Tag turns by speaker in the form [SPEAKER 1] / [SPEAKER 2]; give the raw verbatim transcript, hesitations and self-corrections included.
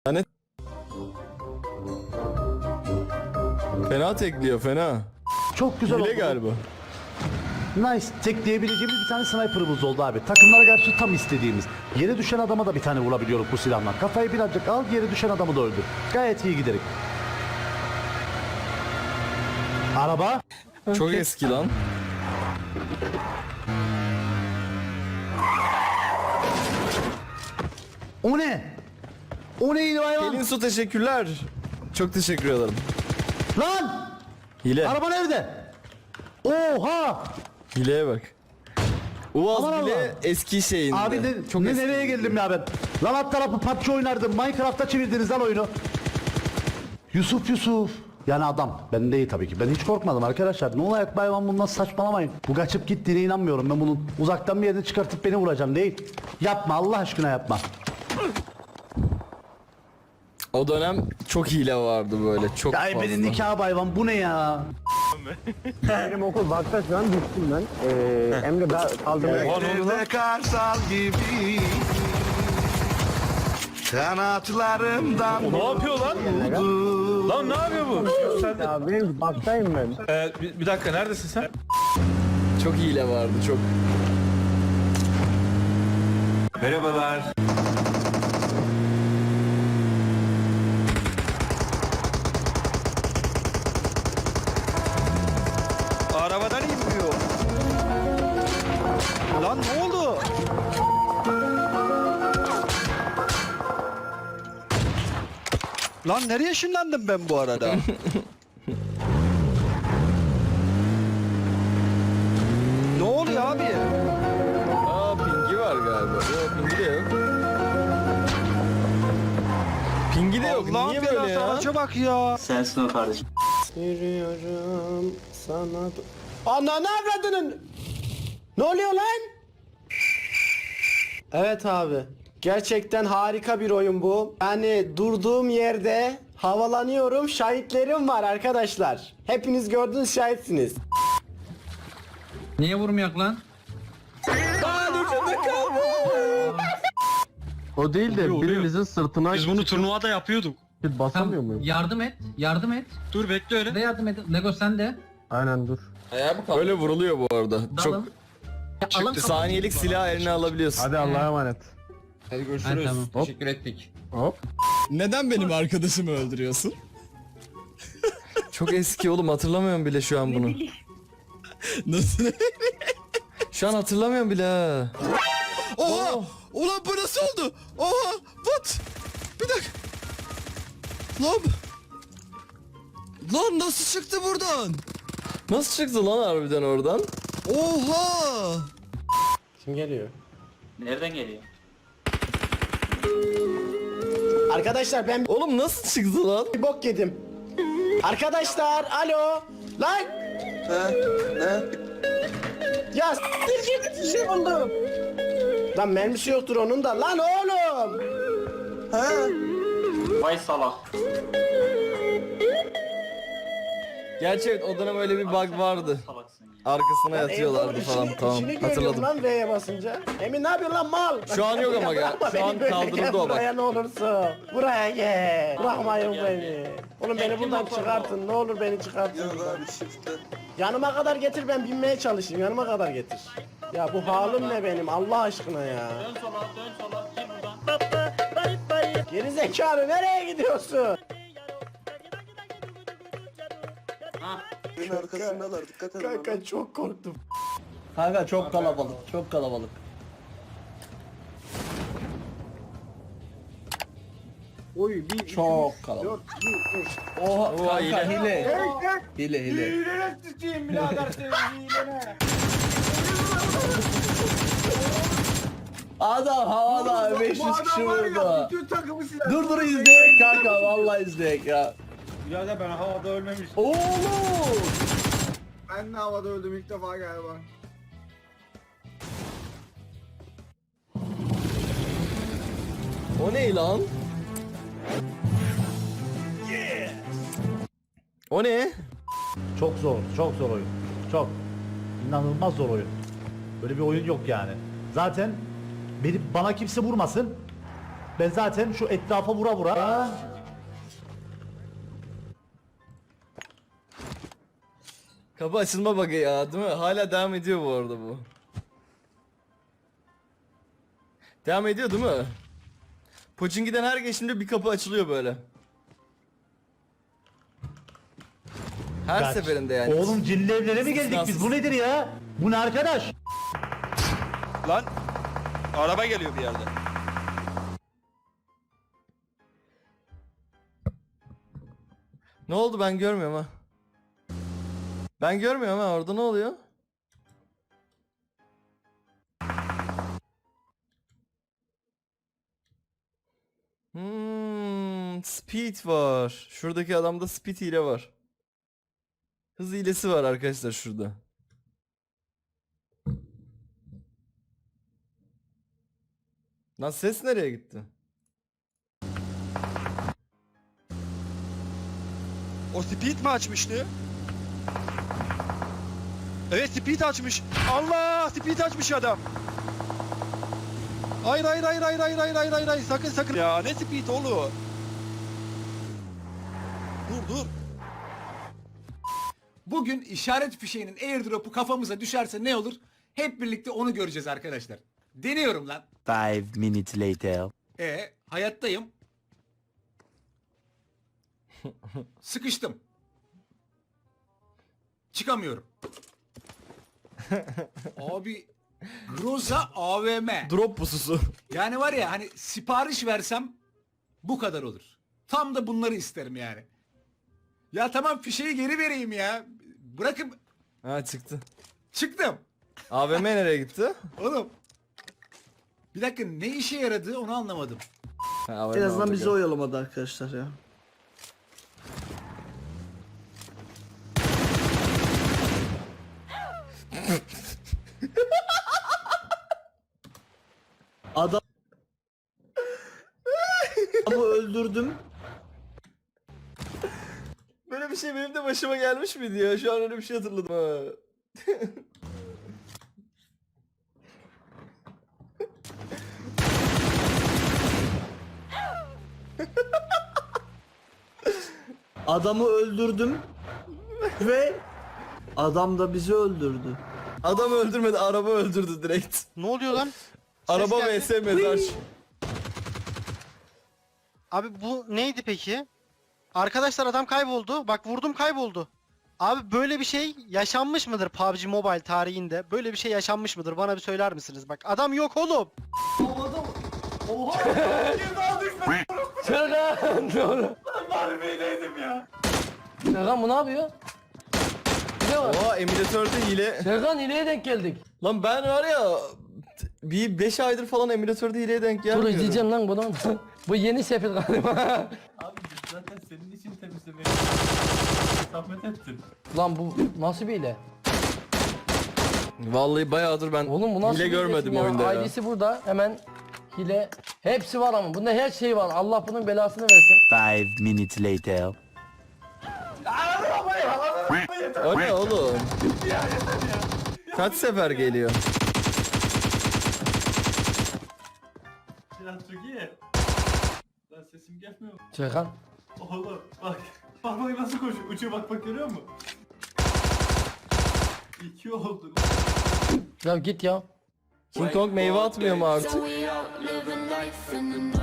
[SPEAKER 1] Yani fena tekliyor, fena.
[SPEAKER 2] Çok güzel
[SPEAKER 1] Hile
[SPEAKER 2] oldu.
[SPEAKER 1] galiba.
[SPEAKER 2] Nice. Tekleyebileceğimiz bir tane sniper'ımız oldu abi. Takımlara karşı tam istediğimiz. Yere düşen adama da bir tane vurabiliyoruz bu silahla. Kafayı birazcık al, yere düşen adamı da öldür. Gayet iyi giderek. Araba.
[SPEAKER 1] Çok eski lan.
[SPEAKER 2] O ne? O neydi hayvan?
[SPEAKER 1] Pelin Su teşekkürler. Çok teşekkür ederim.
[SPEAKER 2] Lan!
[SPEAKER 1] Hile.
[SPEAKER 2] Araba nerede? Oha!
[SPEAKER 1] Hileye bak. Uaz
[SPEAKER 2] Aman
[SPEAKER 1] bile
[SPEAKER 2] Allah.
[SPEAKER 1] eski şeyinde.
[SPEAKER 2] Abi ne,
[SPEAKER 1] Çok
[SPEAKER 2] ne
[SPEAKER 1] eski.
[SPEAKER 2] nereye geldim ya ben? Lan alt tarafı P U B G oynardım. Minecraft'ta çevirdiniz lan oyunu. Yusuf Yusuf. Yani adam. Ben değil tabii ki. Ben hiç korkmadım arkadaşlar. Ne olarak bayvan bundan saçmalamayın. Bu kaçıp gittiğine inanmıyorum. Ben bunun uzaktan bir yerden çıkartıp beni vuracağım değil. Yapma Allah aşkına yapma.
[SPEAKER 1] O dönem çok hile vardı böyle. Çok
[SPEAKER 2] Ya
[SPEAKER 1] fazla.
[SPEAKER 2] benim nikah bayvan bu ne ya?
[SPEAKER 3] Benim okul bakta şu an düştüm ben. Ee, Emre ben kaldırmaya
[SPEAKER 4] Denizde karsal gibi kanatlarımdan
[SPEAKER 5] Ne yapıyor lan? Lan ne yapıyor bu? Sen de...
[SPEAKER 3] Ya benim baktayım ben.
[SPEAKER 5] Ee, bir, bir dakika neredesin sen?
[SPEAKER 1] Çok hile vardı çok.
[SPEAKER 5] Merhabalar.
[SPEAKER 4] arabadan inmiyor. Lan ne oldu? Lan nereye ışınlandım ben bu arada? Ne oluyor abi?
[SPEAKER 1] Aa pingi var galiba. Yok pingi de yok. Pingi de yok.
[SPEAKER 4] Allah'ım
[SPEAKER 1] Niye böyle
[SPEAKER 4] belası,
[SPEAKER 1] ya?
[SPEAKER 4] araca bak ya.
[SPEAKER 6] Sensin o kardeşim.
[SPEAKER 3] Yürüyorum sana... Ananı avradının! Ne oluyor lan? Evet abi. Gerçekten harika bir oyun bu. Yani durduğum yerde havalanıyorum. Şahitlerim var arkadaşlar. Hepiniz gördünüz, şahitsiniz.
[SPEAKER 7] Niye vurmayak lan?
[SPEAKER 8] O değil de birimizin sırtına
[SPEAKER 6] Biz bunu turnuvada yapıyorduk.
[SPEAKER 8] basamıyor
[SPEAKER 7] Tamam,
[SPEAKER 8] muyum?
[SPEAKER 7] yardım et. Yardım et.
[SPEAKER 6] Dur bekle öyle.
[SPEAKER 7] De yardım et. Lego sen de.
[SPEAKER 8] Aynen dur.
[SPEAKER 1] Böyle vuruluyor bu arada. Çok
[SPEAKER 7] Dalın. Ya, alın
[SPEAKER 1] saniyelik silah eline alabiliyorsun.
[SPEAKER 8] Hadi Allah'a emanet.
[SPEAKER 7] Hadi görüşürüz. Tamam. Teşekkür ettik.
[SPEAKER 8] Hop.
[SPEAKER 9] Neden benim arkadaşımı öldürüyorsun?
[SPEAKER 1] Çok eski oğlum, hatırlamıyorum bile şu an bunu.
[SPEAKER 9] Nasıl?
[SPEAKER 1] Şu an hatırlamıyorum bile ha.
[SPEAKER 9] Oha! Ulan bu nasıl oldu? Oha! What? Bir dakika. Lan. Lan nasıl çıktı buradan?
[SPEAKER 1] Nasıl çıktı lan harbiden oradan?
[SPEAKER 9] Oha!
[SPEAKER 3] Kim geliyor?
[SPEAKER 6] Nereden geliyor?
[SPEAKER 3] Arkadaşlar ben
[SPEAKER 1] Oğlum nasıl çıktı lan?
[SPEAKER 3] bir bok yedim. Arkadaşlar alo. Lan. He? Ne? Ya s**tir git, bir şey oldu. Lan mermisi yoktur onun da. Lan oğlum.
[SPEAKER 6] Vay salak.
[SPEAKER 1] Gerçi evet, o dönem öyle bir bug vardı.
[SPEAKER 6] Salaksın ya.
[SPEAKER 1] Arkasına
[SPEAKER 3] Lan
[SPEAKER 1] yatıyorlardı
[SPEAKER 3] Eğer
[SPEAKER 1] falan,
[SPEAKER 3] içini-
[SPEAKER 1] tamam
[SPEAKER 3] içini görüyorum
[SPEAKER 1] hatırladım.
[SPEAKER 3] lan V'ye basınca. Emin ne yapıyorsun lan mal?
[SPEAKER 1] Şu an yok ama
[SPEAKER 3] Ya
[SPEAKER 1] ya,
[SPEAKER 3] bırakma
[SPEAKER 1] şu
[SPEAKER 3] beni
[SPEAKER 1] an
[SPEAKER 3] böyle,
[SPEAKER 1] kaldırıldı
[SPEAKER 3] gel
[SPEAKER 1] o bak.
[SPEAKER 3] Buraya ne olursun. Buraya gel. Bırakmayın beni. Oğlum beni buradan çıkartın. Ne olur beni çıkartın. Yanıma kadar getir, ben binmeye çalışayım. Yanıma kadar getir. Ya bu halim ne benim Allah aşkına ya.
[SPEAKER 6] Dön sola dön sola gir buradan.
[SPEAKER 3] Geri zekalı nereye gidiyorsun?
[SPEAKER 6] Ha.
[SPEAKER 3] Arkasındalar, dikkat edin. Kanka çok korktum.
[SPEAKER 2] Kanka çok kalabalık, çok kalabalık.
[SPEAKER 3] Oy bir
[SPEAKER 2] Çok kalabalık. Oha
[SPEAKER 1] Oha, hile.
[SPEAKER 2] hile. Hile hile.
[SPEAKER 3] Hilene sıçayım birader senin hilene.
[SPEAKER 2] Adam havada beş yüz kişi vurdu. Dur dur izleyek kanka, vallahi izleyek ya.
[SPEAKER 5] Birader ben havada ölmemiştim.
[SPEAKER 2] Oğlum.
[SPEAKER 3] Ben de havada öldüm ilk defa galiba.
[SPEAKER 1] O ne lan? O ne?
[SPEAKER 2] Çok zor, çok zor oyun. Çok. İnanılmaz zor oyun. Böyle bir oyun yok yani. Zaten beni, bana kimse vurmasın. Ben zaten şu etrafa vura vura.
[SPEAKER 1] Kapı açılma bug'ı ya değil mi? Hala devam ediyor bu arada bu. Devam ediyor değil mi? Pochinki'den her geçtiğimde bir kapı açılıyor böyle. Her
[SPEAKER 2] Kaç.
[SPEAKER 1] seferinde yani.
[SPEAKER 2] Oğlum cinli evlere mi geldik biz?
[SPEAKER 1] İstisnasız.
[SPEAKER 2] Bu nedir ya? Bu ne arkadaş?
[SPEAKER 4] Lan araba geliyor bir yerde.
[SPEAKER 1] Ne oldu ben görmüyorum ha. Ben görmüyorum ha, orada ne oluyor? Hmm, speed var. Şuradaki adamda speed hile var. Hız hilesi var arkadaşlar şurada. Lan ses nereye gitti?
[SPEAKER 4] O speed mi açmıştı? Evet speed açmış. Allah speed açmış adam. Hayır hayır hayır hayır hayır hayır hayır hayır hayır sakın sakın. Ya ne speed oğlum? Dur dur.
[SPEAKER 10] Bugün işaret fişeğinin airdrop'u kafamıza düşerse ne olur? Hep birlikte onu göreceğiz arkadaşlar. Deniyorum lan.
[SPEAKER 11] Five minutes later.
[SPEAKER 10] E hayattayım. Sıkıştım. Çıkamıyorum. Abi Groza A V M.
[SPEAKER 1] Drop pususu.
[SPEAKER 10] Yani var ya hani sipariş versem bu kadar olur. Tam da bunları isterim yani. Ya tamam fişeyi geri vereyim ya. Bırakın
[SPEAKER 1] Ha çıktı.
[SPEAKER 10] çıktım.
[SPEAKER 1] A V M nereye gitti?
[SPEAKER 10] Oğlum. Bir dakika ne işe yaradı onu anlamadım.
[SPEAKER 1] Ha, A V M orada gel.
[SPEAKER 3] oyalamadı arkadaşlar ya. Adam Adamı öldürdüm.
[SPEAKER 1] Böyle bir şey benim de başıma gelmiş miydi ya? Şu an öyle bir şey hatırladım ha.
[SPEAKER 3] Adamı öldürdüm ve adam da bizi öldürdü.
[SPEAKER 1] Adam öldürmedi, araba öldürdü direkt.
[SPEAKER 5] Ne oluyor lan?
[SPEAKER 1] Araba
[SPEAKER 5] geldi.
[SPEAKER 1] vs mezar.
[SPEAKER 5] Abi bu neydi peki? Arkadaşlar adam kayboldu. Bak vurdum kayboldu. Abi böyle bir şey yaşanmış mıdır P U B G Mobile tarihinde? Böyle bir şey yaşanmış mıdır? Bana bir söyler misiniz? Bak adam yok oğlum.
[SPEAKER 1] Serkan doğru.
[SPEAKER 8] Serkan bu ne yapıyor? Ne var?
[SPEAKER 1] Oha emülatörde hile.
[SPEAKER 8] Serkan hileye denk geldik.
[SPEAKER 1] Lan ben var ya bir beş aydır falan emülatörde hileye denk
[SPEAKER 8] Dur
[SPEAKER 1] gelmiyorum.
[SPEAKER 8] izleyeceğim lan bunu. Bu yeni sefil galiba.
[SPEAKER 6] Abi zaten senin için temizlemeye zahmet ettin.
[SPEAKER 8] Lan bu nasıl bir hile?
[SPEAKER 1] Vallahi bayağıdır ben
[SPEAKER 8] Oğlum bu nasıl
[SPEAKER 1] hile
[SPEAKER 8] bir hilesin
[SPEAKER 1] görmedim
[SPEAKER 8] ya?
[SPEAKER 1] oyunda ya.
[SPEAKER 8] Ailesi burada hemen hile. Hepsi var ama bunda her şey var. Allah bunun belasını versin.
[SPEAKER 11] Five minutes later.
[SPEAKER 1] O ne oğlum? Kaç sefer geliyor?
[SPEAKER 6] Ya çok iyi. Lan sesim gelmiyor.
[SPEAKER 8] Serkan.
[SPEAKER 6] Oğlum bak. Bak bak nasıl koşuyor. Uçuyor bak bak görüyor musun? İki oldu.
[SPEAKER 8] Ya git ya.
[SPEAKER 1] King Kong meyve atmıyor mu artık?
[SPEAKER 12] So we out living life in the